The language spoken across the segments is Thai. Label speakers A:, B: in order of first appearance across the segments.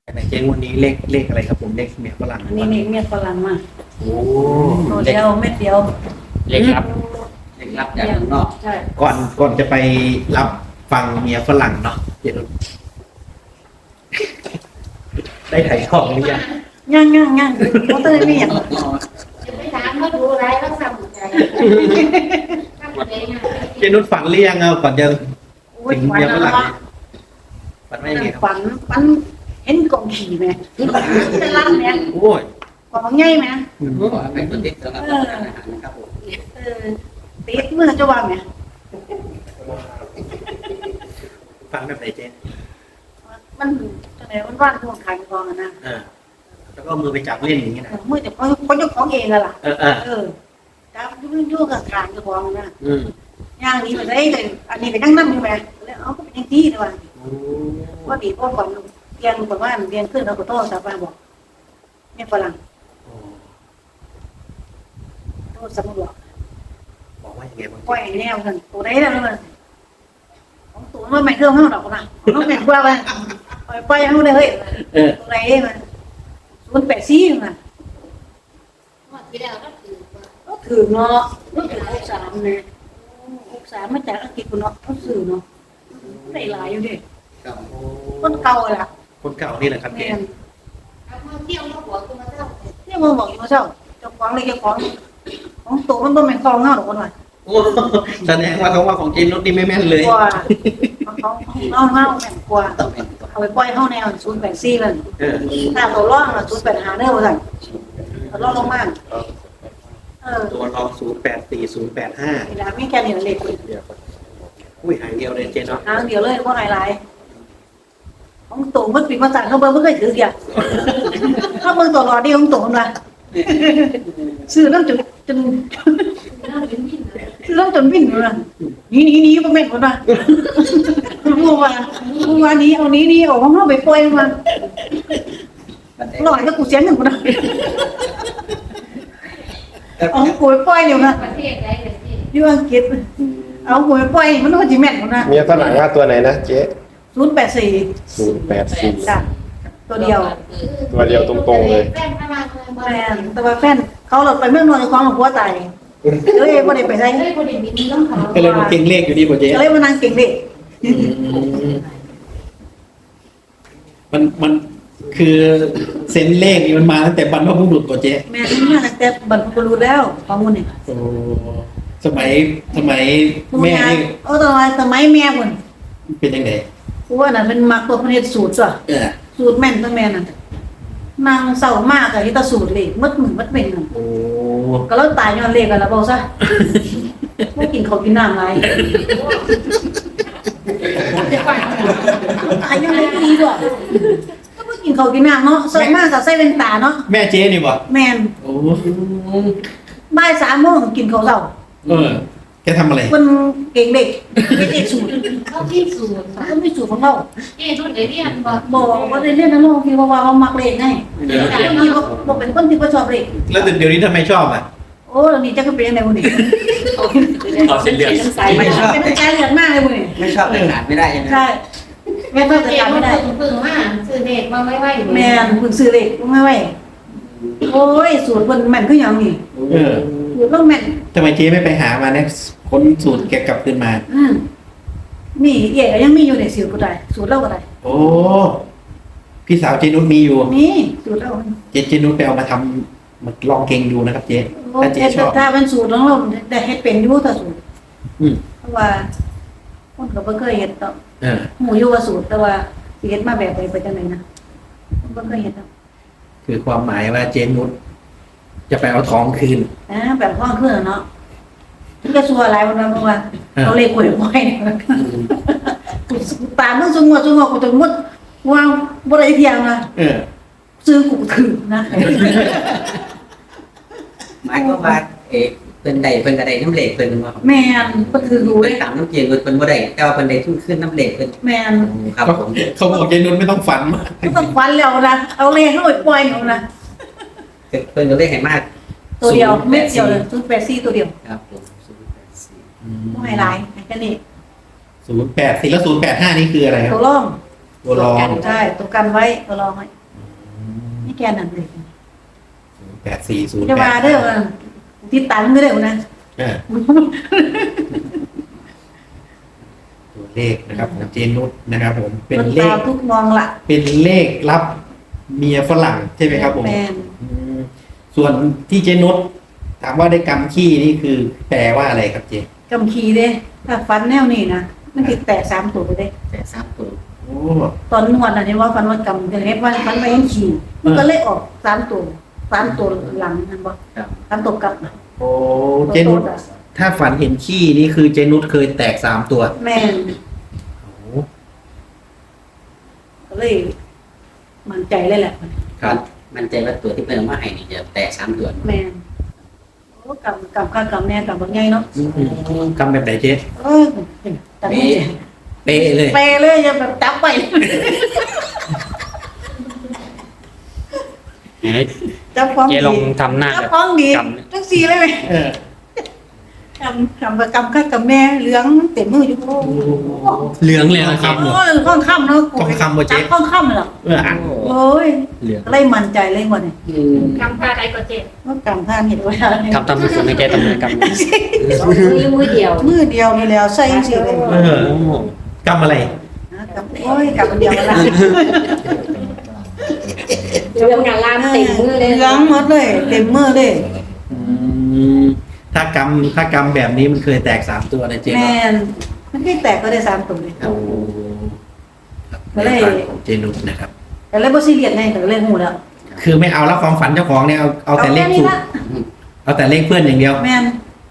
A: ไหนเจ๊งวันนี้เลขอะไรครับผมเลขเมียฝรั่ง
B: อันนี้เมียฝรั่งมา
A: โอ้
B: ตัวเดียวเม็ดเดียว
C: เล็กครับเล็กรับจากข้างนอก
B: ใช่
A: ก่อนจะไปรับฟังเมียฝรั่งเนาะเจ๊นุชได้ถ่ายทอดหรือยัง
B: ย่างเขาเตยไม่อย่าง
D: จะไปถามเขาดูอะไรแล้วสั่งใจทำเองอ่ะ
A: เจ๊นุชฝันหรือยังเอาก่อนจะ
B: โอ้ย
A: ถึง
B: ฝัน
A: เมียฝ
B: แล้ว
A: รั่ง
B: วะ
A: ฝันว่ายังไงครับ
B: ฝันเห็นกองขี่ไหมจะล่ำไหม
A: โอ้ย
B: กองใหญ่ไหม
C: ขอให้เป็นติดสำหรับทานอาหารนะครับผม
B: ติดเมื่อจะว่าไหม
A: ฝันแบบไหนเจ๊
B: มันจังไหนมันว่านทวงขายกองนะ
A: แล้วก็เอามือไปจับเล่นอย่างนี้นะ
B: เมื่อแต่เขาเจ้าของเองอะล่ะ
A: เออ
B: จับยุ่งกับขายกองนะ
A: อืม
B: ย่างนี้มันได้เลยอันนี้ไปนั่งนั่งอยู่ไหมแล้วเอาก็เป็นอย่างที่เลยว่า
A: โอ้
B: ว่าดีพ่อก่อนเรียนบอกว่าเรียนขึ้นเราก็โต้สาบานบอกเนี่ยฝรั่งโต้สมุดบอก
A: บอกว่ายังไงบ้าง
B: ปล่อยแนวกันตัวไหนแล้วมันของตัวมันไม่เครื่องห้องดอกนะน้องแม่กว่าไปปล่อยห้องเลยเฮ้ยตัวไหนมัน084มัน
D: ว่าที่แล้วก็คือ
B: ก็ถือเนาะก็ถือ63เนี่ย63มาจากอังกฤษเนาะเขาสื่อเนาะได้หลายอยู่ดิ
C: ครับ
B: คนเก่าล่ะ
A: คนเก่านี่แหละครับเจ๊
B: แม่น
D: เอามาเที่ยวมาหัวกูมาเท่า
B: เนี่ยมึงบอกอยู่เจ้าเจ้าของเลยเจ้าของตัวมันบ่แม่นของเฮาดอกคนว่า
A: โอ้แสดงว่าเขาว่าของเจ๊นุชนี่ไม่แม่นเลย
B: กว่าของเฮาแม่นกว่า
C: ต้องเป็นตัว
B: เอาไปปล่อยเฮาแนว084นั่น
A: เออ
B: ถ้าตัวร่องน่ะ085เด้อว่าซั่นตัวร่องลงมา
A: ตัวรอง084085
B: นี่ล่ะมีแค่นี้เลข
A: อุ้ยหางเดียวเลยเจ๊เนาะ
B: ทางเดียวเลยบ่หลายๆของตัวมันปิดมาสั่นเขาเบิ่งบ่เคยถือเดียวเขาเบิ่งตัวรอดีของตัวมันว่าซื้อแล้วจน
D: น่าเป็นมินเลย
B: ซื้อแล้วจนวิ่นอยู่นั่นหนีบ่แม่นคนว่ารู้ว่านี้เอานี้เอาของเฮาไปปล่อยมัน
C: มันได้
B: หลอยก็กูเสียเงินกูนะเอากูไปปล่อยอยู่นะ
D: ประเทศใดเลยที่
B: อยู่อังกฤษเอากูไปปล่อยมันก็สิแม่นกูนะ
E: เมียฝรั่งว่าตัวไหนนะเจ๊
B: 084
E: 084
B: จ้ะตัวเดียว
E: ตัวเดียวตรงๆเลย
D: แป้งพลังเลย
B: แม่นแต่ว่าแฟนเขาหลดไปเมืองนอนของหลวงพ่อตายเลยบ่ได้ไปไส
D: เฮ้ยคนอื่นมีต้องเขา
A: ก็เลยมาเก่งเลขอยู่ดีกว่าเจ๊
B: ก็เลยมานั่งเก่งเด็ก
A: มันคือเซนเลขนี่มันมาตั้งแต่บรรพบุรุษกว่าเจ๊
B: แม่นี่มาตั้งแต่บรรพบุรุษแล้วข้อมูลนี่
A: โอ้สมัยแม่นี่
B: ตอนสมัยแม่พุ่น
A: เป็นยังไง
B: กูว่าน่ะเป็นมักตัวพระเนตรสูตรซะ
A: เออ
B: สูตรแม่นตัวแม่น่ะนางเศร้ามากอะที่ตาสูตรเลขมัดมือมัดเป็นน่ะ
A: โอ้
B: ก็แล้วตายย้อนเลขกันแล้วบ่ซะบ่กินข้าวกินน้ำหลายตายย้อนเลขดีด้วยก็บ่กินข้าวกินน้ำเนาะเศร้ามากก็ใส่เป็นตาเนาะ
A: แม่เจ๊นี่บ่
B: แม่น
A: โอ้
B: บ่าย3 โมงกินข้าวเช้า
A: แกทำอะไร
B: มันเก่งเด็กไม่ได้สูตร
D: เขาที่สูตร
B: ก็ไม่สูตรของเรา
D: เอ๊ะรุ่นไหนเรียนบอก
B: บอกว่าได้เล่นนะลูกที่ว่าเขามักเล่นไงคนที่บอกเป็นคนที่เขาชอบเล่น
A: แล้วเดี๋ยวนี้ทำไมชอบอ่ะ
B: โอ้เรานี่จะก็เป็นยังไงวันนี้
A: เอาเส้นเลือด
B: เป็นใจเลือดมากเลยวันนี้
C: ไม่ชอบแต่ขาดไม่ได้ใช่ไหม
B: ใช่แม่ก็จะ
D: เอ๊ะ
B: จำ
D: มั
B: ไม่
D: น
B: ได้
D: พึ่งมาซื้อเด็กมาไว้ไว้
B: แม่คุณซื้อเล็กไม่ไหวโอ้ยสูตรคนแม่นก็ยังนี่
A: เออ
B: สูตรต้องแม่น
A: ทำไมเจ๊ไม่ไปหามาเนี่ยค้นสูตรแกกลับขึ้นมา
B: นี่เอ๋ยังมีอยู่ในสูตรก็ได้สูตรเล่าก็ได้
A: โอ้พี่สาวเจนุชมีอยู่
B: นี่สูตรเล่า
A: เจนุชไปเอามาทำมาลองเก่งดูนะครับเจ๊ถ้าเจ๊ชอบ
B: ถ้าเป็นสูตรของเราแต่เฮ็ดเป็นอยู่แต่สูตร
A: อืม
B: เพราะว่าคนก็บ่เคยเฮ็ดต่อ
A: เออ
B: หมูอยู่ว่าสูตรแต่ว่าสิเฮ็ดมาแบบใดไปจังไดนะผมบ่เคยเฮ็ดดอก
A: คือความหมายว่าเจนุชจะไปเอาทองคืน
B: แบบห้องเครื่องเนาะมันก็ชัวร์หลายวันเพราะว่าเราเลขหวยบ่อยเนี่ยกูตามมึงซุงว่ากูจนหมดว่าบ่ได้เที่ยงนะ
A: เออ
B: ซื้อกูถือนะ
C: หมายก็ว่าเป็นใดเป็นกระไดน้ำเหล็กเป็นว่า
B: แม่นก็ถือรู้
C: เป็
B: เล
C: น
B: ย
C: ต่ำน้ำเจียนเป็นบ่ได้แต่ว่าเป็นใดทุ่งขึ้นน้ำเหล็กเป็น
B: แม่น
C: ครับผม
A: เขาบอกเจนุชไม่ต้องฝันมาก
B: ก็ต้องฟันแล้วนะเอาเลขเข้าไปปล่อยเอานะ
C: เป็นก็ได้เห็นมาก
B: ตัวเดียวเม็ดเดียวเลย084ตัวเดียว
C: ครับผม
B: บ่ให้หลายแค่นี้
A: 08 4แล้ว085นี่คืออะไรครั
B: ตั
A: บ
B: วร่อง
A: ตัวรอง
B: ใช่ตัวกันไว้ตัวรองไว้นี่แกนั่นเลย
A: 840
B: จะมาเด้อว่าติดตันไม่ได้นะ
A: ตัวเลขนะครับของเจนุชนะครับผมเป็น
B: มัน
A: เล
B: ตา
A: ข
B: มทุกมองละ
A: เป็นเลขรับเมียฝรั่งใช่ไหมครับผม
B: แมน
A: อืมส่วนที่เจนุชถามว่าได้กำขี้นี่คือแปลว่าอะไรครับเจ
B: กำขีเด้ถ้าฟันแนวนี้นะมันติดแตก3ตัวไปเด้
C: แต่ทราบตัว
A: โอ้
B: ตอนนวดน่ะนี่ว่าฟันว่ากำจะเฮ็ดฟันไปยังขี่มันก็เลยออก3ตัว3ตัวหลังนั่นบ่
C: ครับ
B: 3ตัวกลับน่ะ
A: โอ้เจนุชถ้าฝันเห็นขี้นี่คือเจนุชเคยแตก3ตัว
B: แม่น
A: โอ้
B: ก็เลยมั่นใจเลยแหละ
A: ครับ
C: มันใจว่าตัวที่เพิ่มมาให้นี่จะแตก3ตัว
B: แม่นโอ้กำข้ากำแน่กำบักใหญ่เนาะ
A: กำแบบไหนเจ๊
B: เออแต่ไม่
A: เป๊ะเลย
B: เปเลยอย่าแบบจับไป จับของ
F: เจ๊
B: ดี
F: ลองทำหน้า
B: จับ
F: แบบ
B: ของดี
F: กำ
B: ทั้งสี่เลยไหม
A: เออก
B: ำข้ากำแม่เหลืองเต็มมืออยู่โอ้
A: เหลืองเลยนะครับ
B: โหข้องค่ำเนาะ
A: ทองคำบ่เจ๊
B: จับข้องค่ำเหรอ
A: อ่ะ
B: โอ้ย
F: เหลือง
B: เลยมั่นใจเลยหมดเนี่ย
D: คำพาอะไรก็เจ็บ
B: ว่ากำท่านเห็นไว้แล้วเนี่ย
F: ทำสุดๆให้เจ๊ทำเลยกำ
D: มือเดียว
B: มือเดียวนี่แล้วใส่ยังสี่เลย
A: เออกำอะไร
B: นะกำโอ้ยกำอันเดียวละ
D: เรื่องงานล่ามเต็มมือเลย
B: เหลืองหมดเลยเต็มมือเลย
A: ถ้ากำแบบนี้มันเคยแตก3ตัวนะเจ๊
B: แม
A: เนาะ
B: นมันแค่แตกก็ได้3ตัวเลย
A: โอ้ครับ
B: ก็เลย
A: ในฝันของเจนุชนะครับ
B: แต่เลยบ่ซีเรียสไงแต่เลยหูแล้ว
A: คือไม่เอาแล้วความฝันเจ้าของเนี่ยเอาแต่เลข
B: แค่นี้
A: สูตร
B: ละ
A: เอาแต่เลขเพื่อนอย่างเดียว
B: แมน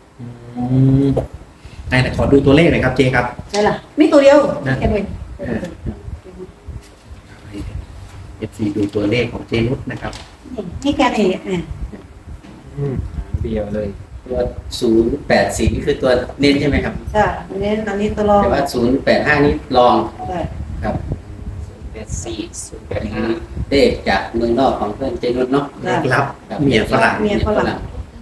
A: ไหนขอดูตัวเลขหน่อยครับเจครับ
B: ใช่ล่ะมีตัวเดียว
A: นะ
B: แค่นี้
A: เอฟซีดูตัวเลขของเจนุชนะครับ
B: นี่แค่นี้เนี่ย
F: เดียวเลย
C: ตัว084นี่คือตัวเน้นใช่ไหมครับ
B: จ้ะอันนี้ตัวรอง
C: แต่ว่า085นี่ลอง
B: ใช่
C: ครับ
F: 84
C: อันนี้เลขจากเมืองนอกของเพื่อนเจนุชเนาะ
A: เลขลับ
C: ครับ
A: เมียฝรั่ง
B: เมียฝรั่ง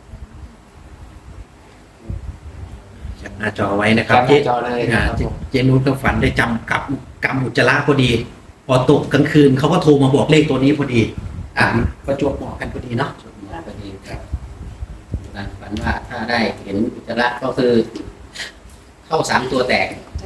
A: แคปหน้าจอไว้นะครับ
F: แคปหน้าจอเลยครับผม
A: เจนุชก็ฝันได้จำกำอุจจาระพอดี พอตกกลางคืนเขาก็โทรมาบอกเลขตัวนี้พอดี ประจวบเหมาะกันพอดีเนาะ
C: พอดีครับฝันว่าถ้าได้เห็นอุจจาระก็คือเข้า3ตัวแตก
B: ใช่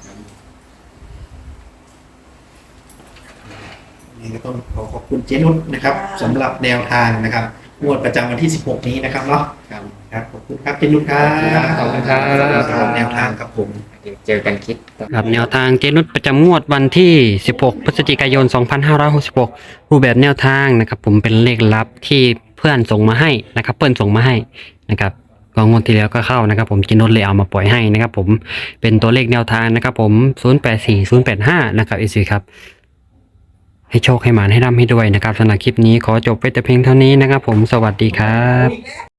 A: นี่ก็ต้องขอบคุณเจนุชนะครับสำหรับแนวทางนะครับงวดประจำวันที่ 16 นี้นะครับเนาะ
C: ครับ
A: ครับขอบคุณครับเจนุชครับ
F: ขอบคุณครับ
A: สำหรับแนวทางครับผม
F: เดี๋ยวเจอกันคลิปครับแนวทางเจนุชประจำงวดวันที่ 16 พฤศจิกายน 2566 รูปแบบแนวทางนะครับผมเป็นเลขลับที่เพื่อนส่งมาให้นะครับเพื่อนส่งมาให้นะครับก็งวดที่แล้วก็เข้านะครับผมเจนุชเลยเอามาปล่อยให้นะครับผมเป็นตัวเลขแนวทางนะครับผม 084 085 นะครับอีซีครับให้โชคให้หมานให้ร่ำให้ด้วยนะครับสำหรับคลิปนี้ขอจบไปแต่เพียงเท่านี้นะครับผมสวัสดีครับ